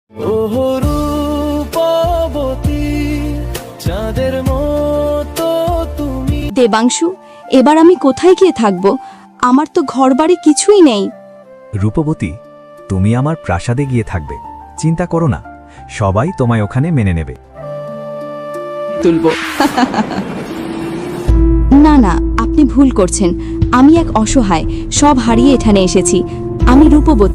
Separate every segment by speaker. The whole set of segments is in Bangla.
Speaker 1: ওহো রূপবতী চাঁদের মতো তুমি।
Speaker 2: দেবাংশু, এবার আমি কোথায় গিয়ে থাকব? আমার তো ঘরবাড়ি কিছুই নেই।
Speaker 3: রূপবতী, তুমি আমার প্রাসাদে গিয়ে থাকবে, চিন্তা করো না, সবাই তোমায় ওখানে মেনে নেবে।
Speaker 2: তুলবো। না না, আপনি ভুল করছেন। আমি এক অসহায়, সব হারিয়ে এখানে এসেছি। আমি রূপবতী।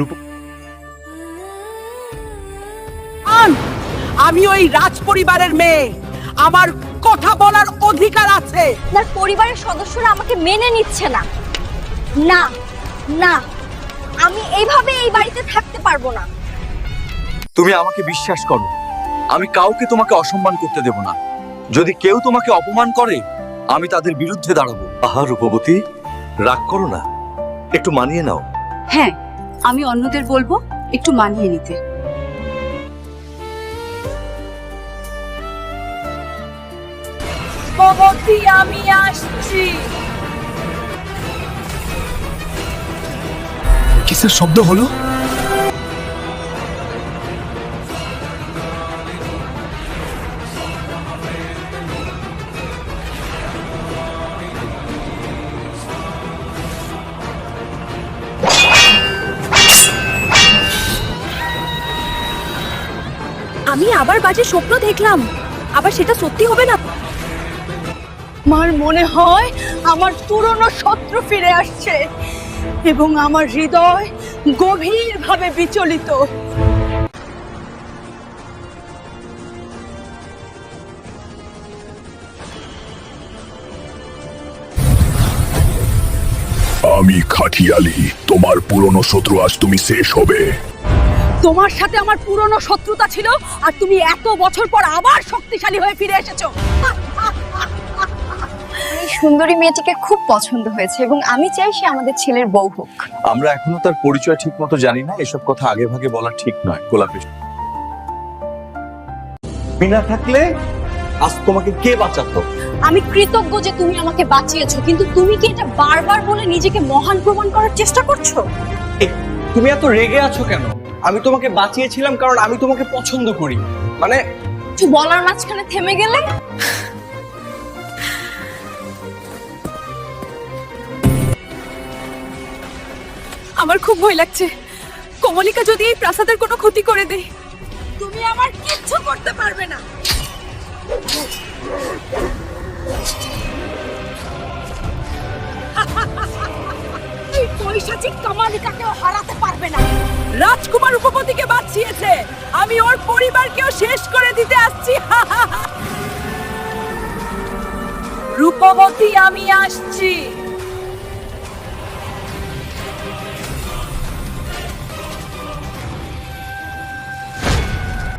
Speaker 4: আমি ওই রাজ পরিবারের মেয়ে, আমার কথা বলার অধিকার আছে।
Speaker 5: আপনার পরিবারের সদস্যরা আমাকে মেনে নিচ্ছে না। না না, আমি এইভাবে এই বাড়িতে থাকতে পারবো না।
Speaker 6: তুমি আমাকে বিশ্বাস করো, আমি কাউকে তোমাকে অসম্মান করতে দেব না। যদি কেউ তোমাকে অপমান করে, আমি তাদের বিরুদ্ধে দাঁড়াবো। আহা রূপবতী, রাগ করো না, একটু মানিয়ে নাও।
Speaker 7: হ্যাঁ, আমি অন্যদের বলবো একটু মানিয়ে নিতে।
Speaker 5: রূপবতী, আমি আসছি।
Speaker 6: কিসের শব্দ হলো?
Speaker 5: আমি আবার বাজে স্বপ্ন দেখলাম, আবার সেটা সত্যি হবে না।
Speaker 7: আমার মনে হয় আমার পুরনো শত্রু ফিরে আসছে এবং আমার হৃদয় গভীরভাবে বিচলিত।
Speaker 8: আমি খাটিয়ালি, তোমার পুরনো শত্রু, আজ তুমি শেষ হবে।
Speaker 7: তোমার সাথে আমার পুরনো শত্রুতা ছিল, আর তুমি এত বছর পর আবার শক্তিশালী হয়ে ফিরে এসেছো।
Speaker 5: এই সুন্দরী মেয়েটিকে খুব পছন্দ হয়েছে এবং আমি চাই সে আমাদের ছেলের বউ হোক।
Speaker 6: আমরা এখনো তার পরিচয় ঠিক মতো জানি না, এসব কথা আগে ভাগে বলা ঠিক নয়। গোলাপি বিনা থাকলে আজ তোমাকে কে বাঁচাতো?
Speaker 5: আমি কৃতজ্ঞ যে তুমি আমাকে বাঁচিয়েছো, কিন্তু তুমি কি এটা বারবার বলে নিজেকে মহান প্রমাণ করার চেষ্টা করছো?
Speaker 9: তুমি এত রেগে আছো কেন? আমি তোমাকে বাঁচিয়েছিলাম কারণ আমি তোমাকে পছন্দ করি। মানে
Speaker 5: কিছু বলার মাঝখানে থেমে গেলে।
Speaker 7: আমার খুব ভয় লাগছে, কমলিকা যদি এই প্রাসাদের কোনো ক্ষতি করে দেয়।
Speaker 5: তুমি আমার কিচ্ছু করতে পারবে না।
Speaker 7: এই পৈশাচিক কমলিকাকেও হারাতে পারবে না।
Speaker 4: রাজকুমার রূপবতীকে বাঁচিয়েছে, আমি ওর পরিবারকেও শেষ করে দিতে আসছি। রূপবতী, আমি আসছি।